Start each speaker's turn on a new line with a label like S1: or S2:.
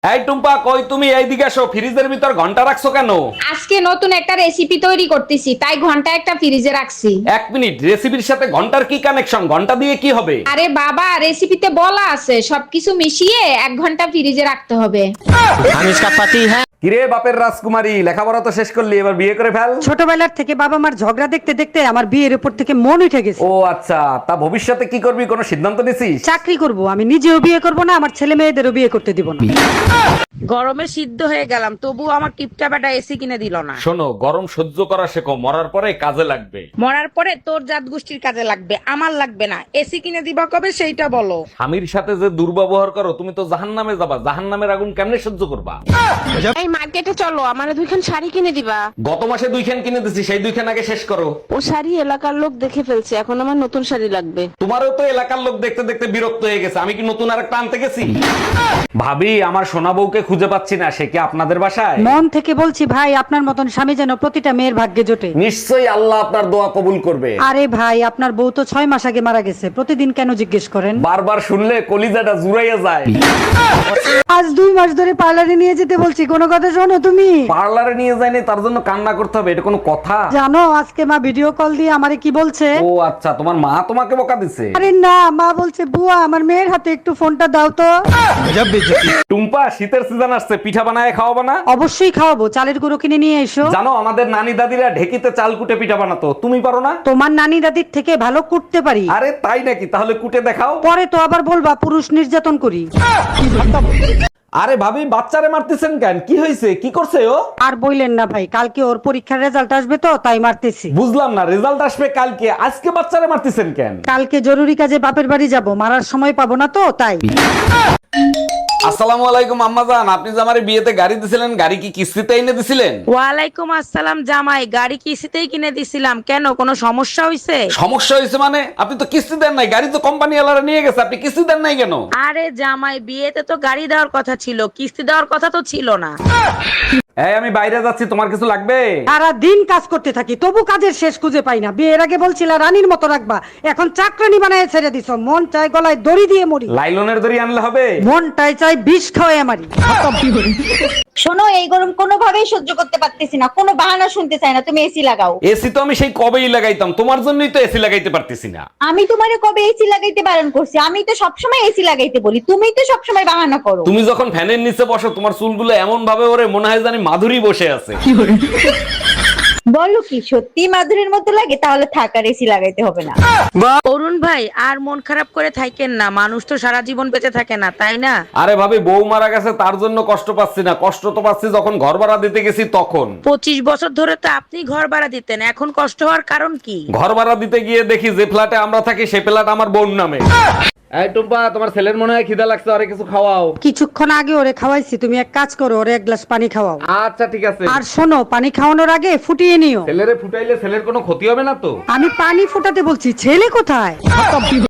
S1: এই টুম্পা, কই তুমি? এইদিকে আসো। ফ্রিজের ভিতর ঘন্টা রাখছো কেন?
S2: আজকে নতুন একটা রেসিপি তৈরি করতেছি, তাই ঘন্টা একটা ফ্রিজে রাখছি।
S1: এক মিনিট, রেসিপির সাথে ঘন্টার কি কানেকশন? ঘন্টা দিয়ে কি হবে?
S2: আরে বাবা, রেসিপিতে বলা আছে সবকিছু মিশিয়ে 1 ঘন্টা ফ্রিজে রাখতে হবে।
S3: हम इसका पति है।
S1: কিরে বাপের রাজকুমারী, লেখাপড়া তো শেষ করলি, এবার বিয়ে করে ফেল।
S4: ছোটবেলার থেকে বাবা মার ঝগড়া দেখতে দেখতে আমার বিয়ের উপর থেকে মন উঠে গেছে।
S1: ও আচ্ছা, তা ভবিষ্যতে কি করবি, কোনো সিদ্ধান্ত নিছিস?
S4: চাকরি করব, আমি নিজেও বিয়ে করব না, আমার ছেলে মেয়েদেরও বিয়ে করতে দিব না।
S5: গরমে সিদ্ধ হয়ে গেলাম, তবু আমার টিপটা বেটা এসি কিনে দিল না।
S1: শোনো, গরম সহ্য করা শেখো, মরার পরে কাজে লাগবে।
S5: মরার পরে তোর জাত গোষ্ঠীর কাজে লাগবে, আমার লাগবে না। এসি কিনে দিবা কবে সেইটা বলো।
S1: স্বামীর সাথে যে দুর্ব্যবহার করো, তুমি তো জাহান্নামে যাবা। জাহান্নামের আগুন কেমনে সহ্য করবা?
S5: এই মার্কেটে চলো, আমারে 2খান শাড়ি কিনে দিবা।
S1: গত মাসে 2খান কিনে দিছি, সেই 2খান আগে শেষ করো।
S5: ও শাড়ি এলাকার লোক দেখে ফেলছে, এখন আমার নতুন শাড়ি লাগবে।
S1: তোমারও তো এলাকার লোক দেখতে দেখতে বিরক্ত হয়ে গেছে। আমি কি নতুন আরেকটা আনতে গেছি? ভাবি, আমার সোনা বউকে খুঁজে পাচ্ছি না। সে কি আপনাদের বাসায়?
S4: মন থেকে বলছি ভাই, আপনার মতন স্বামী যেন প্রতিটা মেয়ের ভাগ্যে জোটে।
S1: নিশ্চয়ই আল্লাহ আপনার দোয়া কবুল করবে।
S4: আরে ভাই, আপনার বউ তো 6 মাস আগে মারা গেছে, প্রতিদিন কেন জিজ্ঞেস করেন?
S1: বারবার শুনলে কলিজাটা জুড়াইয়া যায়।
S4: আজ 2 মাস ধরে পার্লারে নিয়ে যেতে বলছি, কোনো কথা শোনো তুমি?
S1: পার্লারে নিয়ে যায়নি, তার জন্য কান্না করতে হবে? এটা কোনো কথা?
S4: জানো আজকে মা ভিডিও কল দিয়ে আমারে কি বলছে?
S1: ও আচ্ছা, তোমার মা তোমাকে বকা দিছে?
S4: আরে না, মা বলছে বুয়া আমার মেয়ের হাতে একটু ফোনটা দাও তো।
S1: টুম্পা, শীতের সিজন আসছে, পিঠা বানায় খাওয়াবো না?
S4: অবশ্যই খাওয়াবো, চালের গুঁড়ো কিনে নিয়ে এসো।
S1: জানো, আমাদের নানি দাদিরা ঢেকিতে চাল কুটে পিঠা বানাতো, তুমি পারো না?
S4: তোমার নানি দাদির থেকে ভালো কুটতে পারি।
S1: আরে তাই নাকি? তাহলে কুটে দেখাও।
S4: পরে তো আবার বলবা পুরুষ নির্যাতন করি।
S1: আরে ভাবি, বাচ্চারে মারতেছেন কেন? কি হয়েছে? কি করছে ও?
S4: আর বইলেন না ভাই, কালকে ওর পরীক্ষার রেজাল্ট আসবে তো তাই মারতেছি।
S1: বুঝলাম না, রেজাল্ট আসবে কালকে, আজকে বাচ্চারে মারতেছেন কেন?
S4: কালকে জরুরি কাজে বাপের বাড়ি যাব, মারার সময় পাবো না তো তাই।
S1: আসসালামু আলাইকুম আম্মাজান, আপনি যে আমারে বিয়েতে গাড়ি দিছিলেন, গাড়ি কি কিস্তিতে এনে দিছিলেন?
S5: ওয়ালাইকুম আসসালাম জামাই, গাড়ি কিস্তিতেই কিনে দিছিলাম। কেন, কোনো সমস্যা হয়েছে?
S1: সমস্যা হয়েছে মানে? আপনি তো কিস্তি দেন নাই, গাড়ি তো কোম্পানি ওয়ালারা নিয়ে গেছে, আপনি কিস্তি দেন নাই কেন?
S5: আরে জামাই, বিয়েতে তো গাড়ি দেওয়ার কথা ছিল, কিস্তি দেওয়ার কথা তো ছিল না।
S1: এই, আমি বাইরে যাচ্ছি, তোমার কিছু লাগবে?
S4: সারা দিন কাজ করতে থাকি, তবু কাজের শেষ খুঁজে পাই না। বিয়ের আগে বলছিলা রানীর মতো রাখবা, এখন চাকরানি বানায় ছেড়ে দিছো। মন চাই গলায় দড়ি দিয়ে মরি,
S1: লাইলনের দড়ি আনলে হবে?
S4: মনটাই চাই বিষ খাওয়াই মারি।
S6: শোনো, এই গরম কোনোভাবেই সহ্য করতে পারতেছি না, কোনো বাহানা শুনতে চাই না, তুমি এসি লাগাও।
S1: এসি তো আমি সেই কবেই লাগাইতাম, তোমার জন্যই তো এসি লাগাইতে পারতেছি না।
S6: আমি তোমারে কবে এসি লাগাইতে বারণ করছি? আমি তো সবসময় এসি লাগাইতে বলি, তুমি তো সবসময় বাহানা করো।
S1: তুমি যখন ফ্যানের নিচে বসো, তোমার চুলগুলো এমন ভাবে ওরে মনে হয় জানি মাধুরী বসে আছে।
S6: বলো কি সত্যি মাধুরীর মতো লাগে? তাহলে থাক, আর এসি লাগাইতে হবে না।
S5: অরুণ ভাই, আর মন খারাপ করে থাকেন না, মানুষ তো সারা জীবন বেঁচে থাকে না, তাই না?
S1: আরে ভাবি, বউ মারা গেছে তার জন্য কষ্ট পাচ্ছি না, কষ্ট তো পাচ্ছি যখন ঘর ভাড়া দিতে গেছি তখন।
S5: 25 বছর ধরে তো আপনি ঘর ভাড়া দিতেন, এখন কষ্ট হওয়ার কারণ কি?
S1: ঘর ভাড়া দিতে গিয়ে দেখি যে ফ্ল্যাটে আমরা থাকি সেই ফ্ল্যাট আমার বোন নামে। এই টুম্পা, তোমার ছেলের মনে হয় খিদা লাগছে, আরে কিছু খাওয়াও।
S4: কিছুক্ষণ আগে ওরে খাওয়াইছি, তুমি এক কাজ করো, ওরে 1 গ্লাস পানি খাওয়াও।
S1: আচ্ছা ঠিক আছে।
S4: আর শোনো, পানি খাওয়ানোর আগে ফুটিয়ে নিও।
S1: ছেলেরে ফুটাইলে ছেলের কোনো ক্ষতি হবে না তো?
S4: আমি পানি ফুটাতে বলছি, ছেলে কোথায়?